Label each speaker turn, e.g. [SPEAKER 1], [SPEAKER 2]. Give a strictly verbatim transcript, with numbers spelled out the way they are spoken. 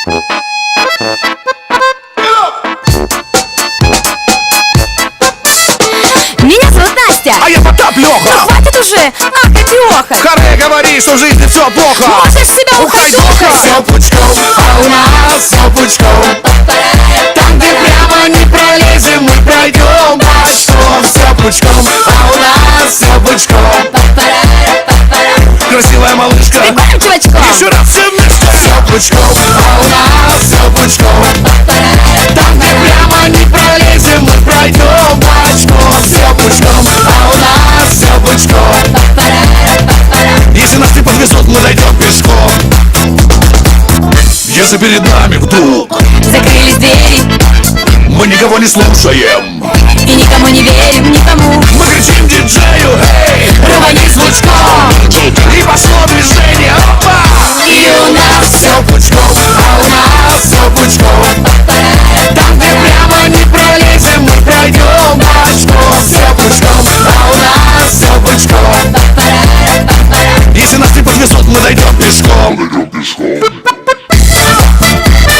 [SPEAKER 1] Меня зовут Настя.
[SPEAKER 2] А я Потап Лёха.
[SPEAKER 1] Ну хватит уже ахать и охать.
[SPEAKER 2] Харе говори, что в жизни все плохо.
[SPEAKER 1] Можешь себя ухаживать.
[SPEAKER 2] Все пучком, а у нас все пучком. Там, где прямо не пролезем, мы пройдем бочком. Все пучком, а у нас все пучком. Красивая малышка,
[SPEAKER 1] Прикольным чувачком.
[SPEAKER 2] еще раз все вместе. Все пучком, а у нас все пучком. Там, где прямо не пролезем, мы пройдем бочком. Все пучком, а у нас все пучком. Если нас не подвезут, мы дойдем пешком. Если перед нами вдруг
[SPEAKER 1] Закрылись двери
[SPEAKER 2] мы никого не слушаем,
[SPEAKER 1] и никому не верим, никому.
[SPEAKER 2] мы кричим диджею: эй,
[SPEAKER 1] Рвани звучком.
[SPEAKER 2] и пошло движение, опа!
[SPEAKER 1] И у нас
[SPEAKER 2] Все пучком, а у нас все пучком. Там, где прямо не пролезем, мы пройдем бочком. Все пучком, а у нас все пучком. Если нас не подвезут, мы дойдем пешком.